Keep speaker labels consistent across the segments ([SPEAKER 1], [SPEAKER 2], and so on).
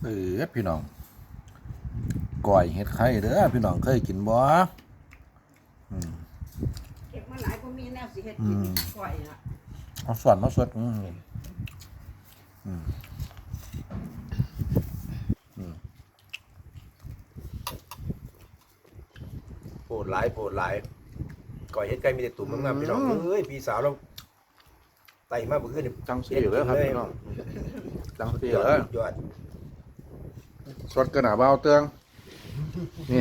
[SPEAKER 1] พี่น้องก้อยเห็ดไข่เด้อพี่น้องเคยกินบ่
[SPEAKER 2] เก็บมาหลายก็มีแนวสิเฮ็ดกินก่อยละ
[SPEAKER 1] เอาส่วนมาสด
[SPEAKER 3] โผล่หลายก่อยเฮ็ดไก่มีแต่ตุ่มงามๆพี่น้องเอ้ยพี่สาวเราไต่มาเมื่อคืนนี่
[SPEAKER 1] จังสีเลยครับพี่น้องจังสี
[SPEAKER 3] ยอด
[SPEAKER 1] เลย
[SPEAKER 3] ยอด
[SPEAKER 1] สดกระหน่ำเบาเตืองนี่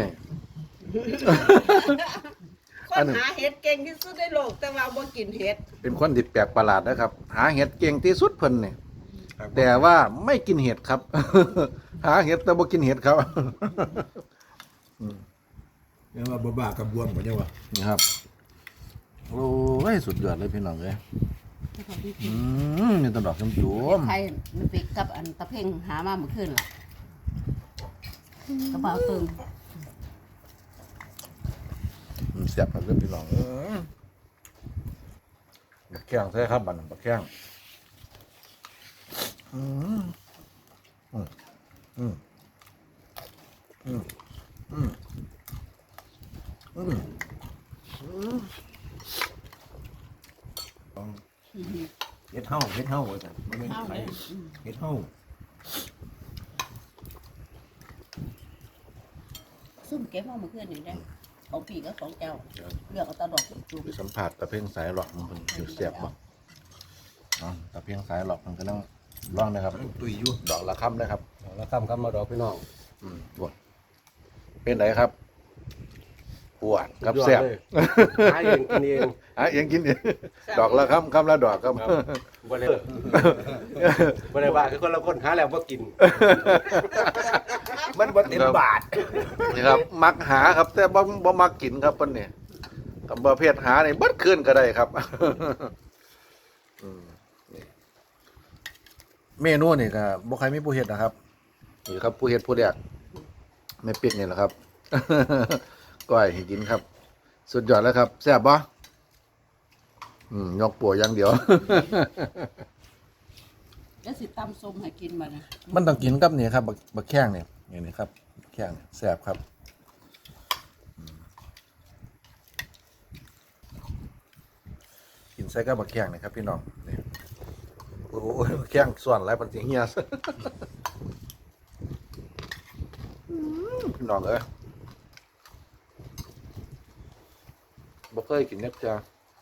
[SPEAKER 2] คนหาเห็ดเก่งที่สุดในโลกแต่ว่าบ่กินเห็ด
[SPEAKER 1] เป็นคนที่แปลกประหลาดนะครับ หาเห็ดเก่งที่สุดเพิ่นเนี่ยแต่ว่าไม่กินเห็ดครับ หาเห็ดแต่บ่กินเห็ดครับ
[SPEAKER 3] ยังว่าบ้ากับบวมกว่าจังวะ
[SPEAKER 1] นี่ครับโอ้ยสุดยอดเลยพี่น้องเลยนี่ต้นดอกชมจุ่ม
[SPEAKER 4] ไทยมันปิกกับอันตะเพ่งหามาเมื่อคืนล่ะกระเป๋าตึง
[SPEAKER 1] เสียบครับพี่น้องบักแข้งใช่ครับบันบักแข้ง
[SPEAKER 3] เฮ็ดเฮาว่าซั่นบ่แม่นไผเฮ็ดเฮา
[SPEAKER 4] ซุ่มเก็บมาเมื่อคืนนี่ได้ของปีกับของเจ้าเลือกเอาตาดอกจุ่ม
[SPEAKER 1] ไปสัมผัสตะเพ่งสายหลอกมันอยู่เสียบบ่ตะเพ่งสายหลอกมันก็ต้องร่องนะครับ
[SPEAKER 3] ตุยอยู่
[SPEAKER 1] ดอกละค่ำนะครับ
[SPEAKER 3] แล้วคำมาดอกพี่น้อง
[SPEAKER 1] ปวดเป็นไรครับปวดกับแซ่บ
[SPEAKER 3] หาเองกินเอง
[SPEAKER 1] เองกินเองดอกละค่ำละดอกครับ
[SPEAKER 3] บ่ได้บ่ได้ว่าคือคนละคนหาแล้วบ่กิน มันบ่เต็มบาท
[SPEAKER 1] นี่ครับมักหาครับ แต่บ่มักกินครับเพิ่นนี่กับประเภทหานี่เบิดคืนก็ได้ครับเมนูนี่ก็บ่ใครมีผู้เฮ็ดนะครับนี่ครับผู้เฮ็ดผู้แรกแม่ปิ๊กนี่แหละครับ ก้อยให้กินครับ สุดยอดแล้วครับแซ่บบ่ยกปัวอย่างเดียว
[SPEAKER 4] แล้วสิตำส้มให้กินมานะ
[SPEAKER 1] มันต้องกินกับนี่ครับบักแข้งเนี่ยนี่ครับบักแข้งแซ่บครับกินใส่กับบักแข้งนี่ครับพี่น้องนี่โอ้โหบักแข้งส่วนไรปันสิเฮียซะพี่น้องเอ้ยบ่เคยกินเน็บจ้า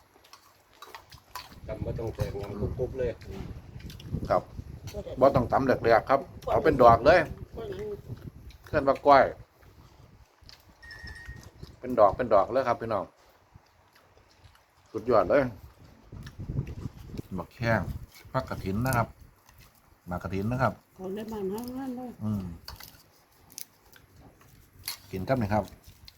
[SPEAKER 3] จำบ่ต้องแต่งงานกุ๊บๆเลย
[SPEAKER 1] ครับบ่ต้องตำแหลกๆครับเอาเป็นดอกเลยเคลื่อนว่าก้อยเป็นดอกเลยครับพี่น้องสุดยอดเลยบักแข้งผักกระถินนะครับหมากกระถินนะครับ
[SPEAKER 4] คนได้บ้านห้างนั่นเลย
[SPEAKER 1] กินครับนี่ครับ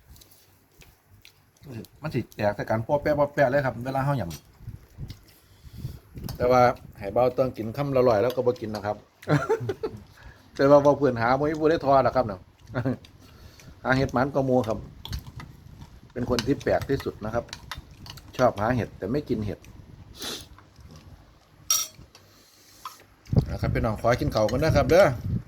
[SPEAKER 1] มันสิแตกแต่การปอแปะเลยครับเวลาเฮาหยำแต่ว่าให้เบาต้องกินคำละร่อยแล้วก็บ่กินนะครับ แต่ว่าเพื่อนหาบ่มีผู้ได้ทอดหรอกครับเนาะ หาเห็ดหมันก็มัวครับ เป็นคนที่แปลกที่สุดนะครับ ชอบหาเห็ดแต่ไม่กินเห็ดนะครับพี่น้องขอกินข้าวกันนะครับเด้อ